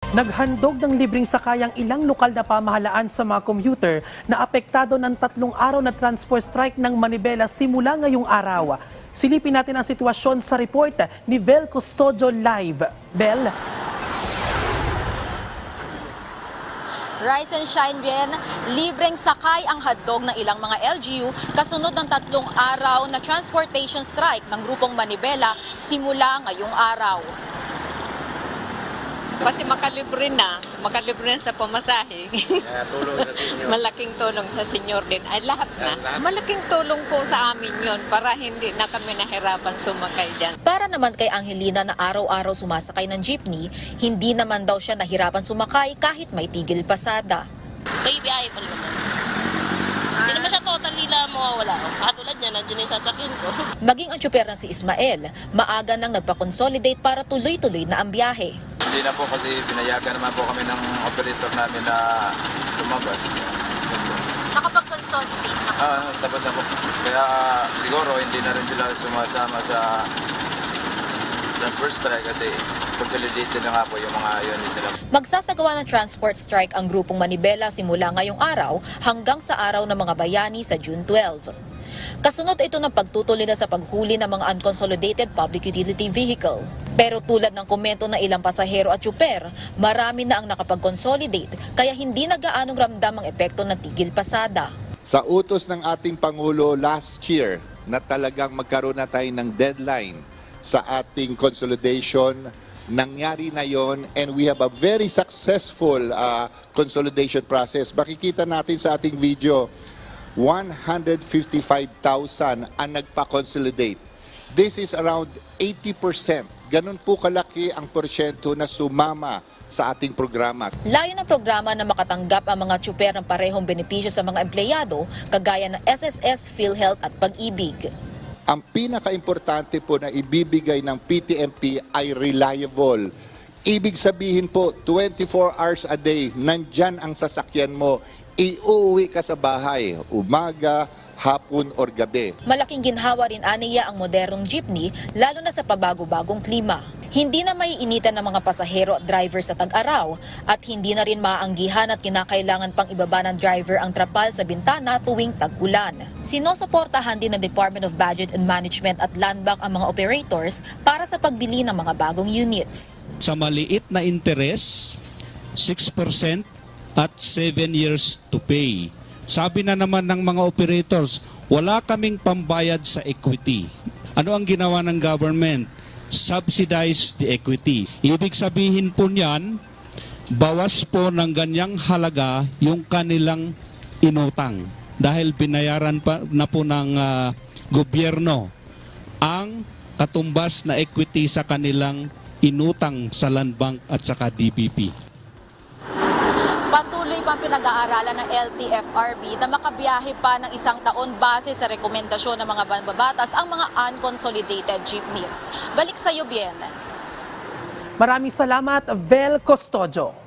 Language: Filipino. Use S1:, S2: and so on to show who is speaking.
S1: Naghandog ng libreng sakay ang ilang lokal na pamahalaan sa mga commuter na apektado ng 3 araw na transport strike ng Manibela simula ngayong araw. Silipin natin ang sitwasyon sa report ni Bel Custodio live. Bel?
S2: Rise and shine bien, libreng sakay ang handog ng ilang mga LGU kasunod ng 3 araw na transportation strike ng grupong Manibela simula ngayong araw.
S3: Kasi makalibre na sa pamasahe.
S4: Tulong sa senior.
S3: Malaking tulong sa senior din. Ay lahat na. Malaking tulong po sa amin yon para hindi na kami nahirapan sumakay dyan.
S2: Para naman kay Angelina na araw-araw sumasakay ng jeepney, hindi naman daw siya nahirapan sumakay kahit may tigil pasada.
S5: May biyahe pa naman. Hindi naman siya totally na mawawala. Katulad niya, nandiyan yung sasakyan ko.
S2: Maging ang tsuper na si Ismael, maaga nang nagpa-consolidate para tuloy-tuloy na ang biyahe.
S4: Hindi na po kasi pinayagan naman po kami ng operator namin na lumabas.
S2: Nakapag-consolidate na.
S4: Tapos na po. Kaya siguro hindi na rin sila sumasama sa transport strike kasi consolidated na nga po yung mga unit nila.
S2: Magsasagawa ng transport strike ang grupong Manibela simula ngayong araw hanggang sa araw ng mga bayani sa June 12. Kasunod ito ng pagtutuloy na sa paghuli ng mga unconsolidated public utility vehicle. Pero tulad ng komento ng ilang pasahero at tsuper, marami na ang nakapag-consolidate kaya hindi na gaanong ramdam ang epekto ng tigil pasada.
S6: Sa utos ng ating Pangulo last year na talagang magkaroon na tayo ng deadline sa ating consolidation, nangyari na yon and we have a very successful consolidation process. Makikita natin sa ating video, 155,000 ang nagpa-consolidate. This is around 80%. Ganun po kalaki ang porsyento na sumama sa ating programa.
S2: Layo ng programa na makatanggap ang mga tsuper ng parehong benepisyo sa mga empleyado, kagaya ng SSS, PhilHealth at Pag-ibig.
S6: Ang pinaka-importante po na ibibigay ng PTMP ay reliable. Ibig sabihin po, 24 hours a day, nandyan ang sasakyan mo. Iuwi ka sa bahay, umaga, hapon or gabi.
S2: Malaking ginhawa rin aniya ang modernong jeepney, lalo na sa pabago-bagong klima. Hindi na maiinitan ng mga pasahero at driver sa tag-araw at hindi na rin maaanggihan at kinakailangan pang ibaba ng driver ang trapal sa bintana tuwing tag-ulan. Sinusuportahan din ng Department of Budget and Management at Land Bank ang mga operators para sa pagbili ng mga bagong units.
S7: Sa maliit na interes, 6% at 7 years to pay. Sabi na naman ng mga operators, wala kaming pambayad sa equity. Ano ang ginawa ng government? Subsidize the equity. Ibig sabihin po niyan, bawas po ng ganyang halaga yung kanilang inutang. Dahil binayaran pa na po ng gobyerno ang katumbas na equity sa kanilang inutang sa Land Bank at saka DBP.
S2: Patuloy pang pinag-aaralan ng LTFRB na makabiyahe pa ng 1 taon base sa rekomendasyon ng mga mambabatas ang mga unconsolidated jeepneys. Balik sa iyo, Bien.
S1: Maraming salamat, Bel Custodio.